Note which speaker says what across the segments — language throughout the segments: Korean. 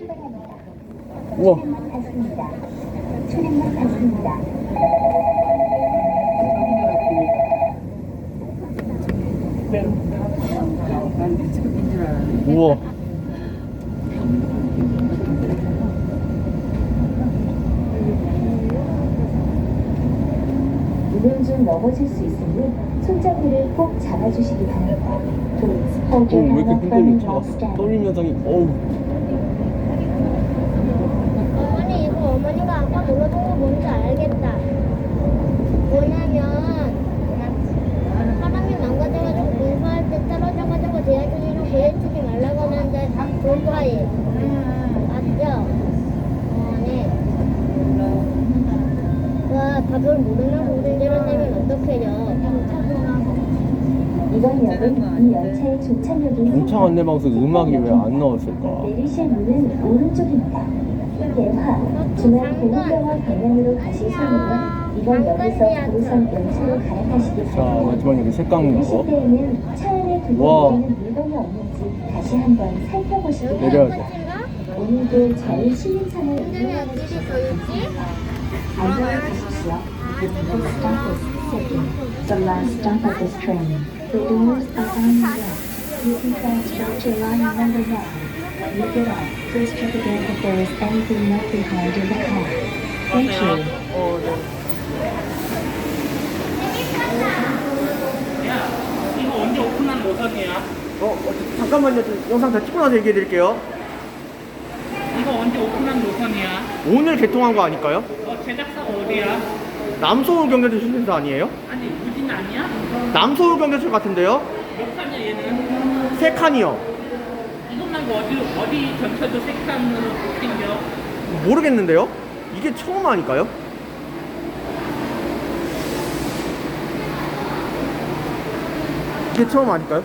Speaker 1: 출발합니다.
Speaker 2: 우와.
Speaker 1: 차량만 탔습니다. 차량만 탔습니다.
Speaker 3: 난 미치겠는 줄 알았네.
Speaker 2: 우와.
Speaker 1: 운행 중 넘어질 수 있으니 손잡이를 꼭 잡아주시기 바랍니다. Please hold
Speaker 2: 왜
Speaker 1: your
Speaker 2: 이렇게
Speaker 1: hand
Speaker 2: 흔들려?
Speaker 1: firmly
Speaker 2: 차가
Speaker 1: while standing.
Speaker 2: 떨림 현상이 어우.
Speaker 4: 어머니 이거 어머니가 아까 눌러준 거 뭔지 알겠다. 뭐냐면 사람이 망가져가지고 공부할 때 떨어져가지고 대학교에서 보여주지 말라고 하는데 공부해. 맞죠? 네. 와 답을 모르는 공들을 내면 어떡해요?
Speaker 1: 이번 역은 이 열차의 종착역이
Speaker 2: 공차 안내 방송 음악이 왜 안 나왔을까?
Speaker 1: 내리실 문은 오른쪽입니다. 대화 중앙공원병원 방향으로 가실 손님은 이번 역에서 도로선 연차로 갈아타시기
Speaker 2: 자,
Speaker 1: 바랍니다.
Speaker 2: 마지막 여기 색강
Speaker 1: 내리실
Speaker 2: 나고.
Speaker 1: 때에는 차 안에
Speaker 2: 와.
Speaker 1: 두고 계시는 물건이 없는지 다시 한번 살펴보시기
Speaker 2: 내려야
Speaker 1: 바랍니다.
Speaker 2: 돼.
Speaker 1: 오늘도 저희 시민차를
Speaker 4: 힘들면 어디 더 있지?
Speaker 1: 안전히 가십시오. This stop is Sydney, the last stop of this train. The doors are on the left. You can transfer to line number 9. When you get off, please check again if there is anything left behind in the car. Thank you.
Speaker 3: 이거 언제 오픈한 노선이야?
Speaker 2: 잠깐만요. 영상 다 찍고 나서 얘기해 드릴게요.
Speaker 3: 이거 언제 오픈한 노선이야?
Speaker 2: 오늘 개통한 거 아닐까요?
Speaker 3: 제작사가 어디야?
Speaker 2: 남서울 경계철 신사 아니에요?
Speaker 3: 아니 우진 아니야?
Speaker 2: 남서울 경계철 같은데요?
Speaker 3: 몇 칸이야 얘는?
Speaker 2: 3칸이요.
Speaker 3: 이것 말고 어디 전철도 세 칸으로 생겨?
Speaker 2: 모르겠는데요? 이게 처음 아닐까요? 이게 처음 아닐까요?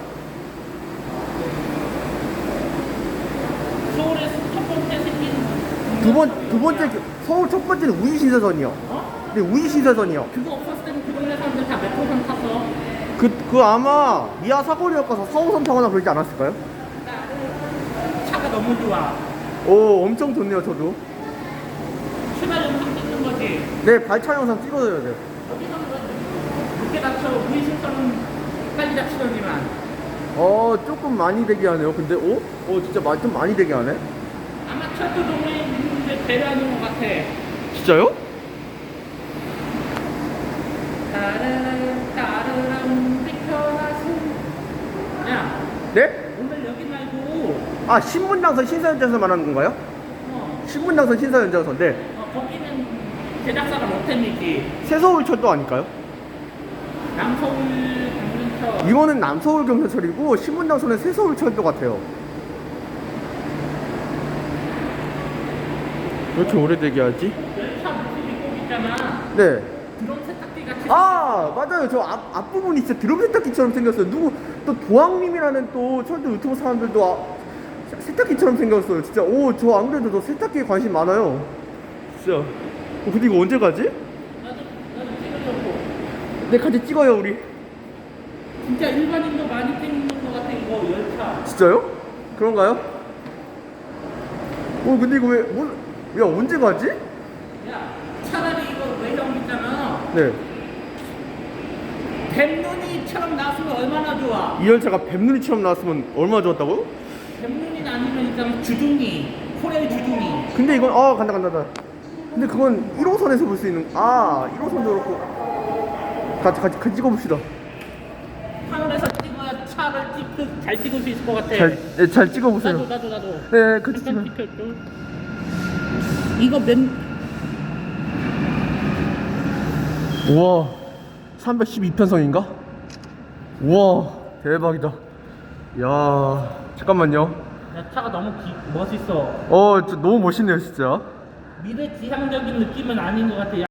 Speaker 3: 서울에서 첫 번째 생긴
Speaker 2: 두 번째 서울 첫 번째는 우이신사선이요. 네, 우이신사선이요.
Speaker 3: 그거 없었을 때는 그 동네 사람들 다 메트로선 탔어.
Speaker 2: 그 아마 미아 사거리역 가서 4호선 타거나 그러지 않았을까요?
Speaker 3: 차가 너무 좋아.
Speaker 2: 오, 엄청 좋네요, 저도.
Speaker 3: 출발 영상 찍는 거지.
Speaker 2: 네, 발차 영상 찍어줘야 돼요.
Speaker 3: 어디서는 늦게 다쳐 무이신선은 빨리 다치더니만.
Speaker 2: 조금 많이 되게 하네요. 근데, 진짜 좀 많이 되게 하네.
Speaker 3: 아마 철도 동네에 있는데 배려하는 것 같아.
Speaker 2: 진짜요?
Speaker 3: 따르릉 비켜나서. 야,
Speaker 2: 네?
Speaker 3: 오늘 여기 말고
Speaker 2: 아, 신분당선 신사연장선 말하는 건가요? 신분당선 신사연장선, 네.
Speaker 3: 거기는 제작사가 롯데미지.
Speaker 2: 새서울철도 아닐까요?
Speaker 3: 남서울 강릉철.
Speaker 2: 이거는 남서울 경사철이고 신분당선은 새서울철도 같아요. 왜 이렇게 오래 되게 하지?
Speaker 3: 열차 모습이 꼭 있잖아.
Speaker 2: 네.
Speaker 3: 드럼 세탁기 같이.
Speaker 2: 아, 맞아요. 저 앞부분이 진짜 드럼 세탁기처럼 생겼어요. 또 도항님이라는 또 철도 유튜브 사람들도 세탁기처럼 생겼어요. 진짜 저 안 그래도 저 세탁기에 관심 많아요. 진짜. 근데 이거 언제 가지?
Speaker 3: 나도 찍으려고.
Speaker 2: 네, 같이 찍어요 우리.
Speaker 3: 진짜 일반인도 많이 찍는 것 같아 이거 열차.
Speaker 2: 진짜요? 그런가요? 근데 이거 야, 언제 가지?
Speaker 3: 야, 차라리 이거 외형 있잖아.
Speaker 2: 네.
Speaker 3: 뱀눈이처럼 나왔으면 얼마나 좋아.
Speaker 2: 이 열차가 뱀눈이처럼 나왔으면 얼마나 좋았다고요?
Speaker 3: 뱀눈이 아니면 있잖아 주둥이. 코레 주둥이.
Speaker 2: 근데 이건 간다. 근데 그건 1호선에서 볼 수 있는 1호선도 그렇고 같이 찍어봅시다.
Speaker 3: 하늘에서 찍어야 차를 잘 찍을 수 있을 것 같아.
Speaker 2: 잘 찍어보세요.
Speaker 3: 나도.
Speaker 2: 네, 같이
Speaker 3: 잠깐
Speaker 2: 찍어요.
Speaker 3: 찍혀줘. 이거
Speaker 2: 우와, 312편성인가? 우와, 대박이다. 야, 잠깐만요.
Speaker 3: 야, 차가 너무 멋있어.
Speaker 2: 진짜 너무 멋있네요, 진짜.
Speaker 3: 미래 지향적인 느낌은 아닌 것 같아.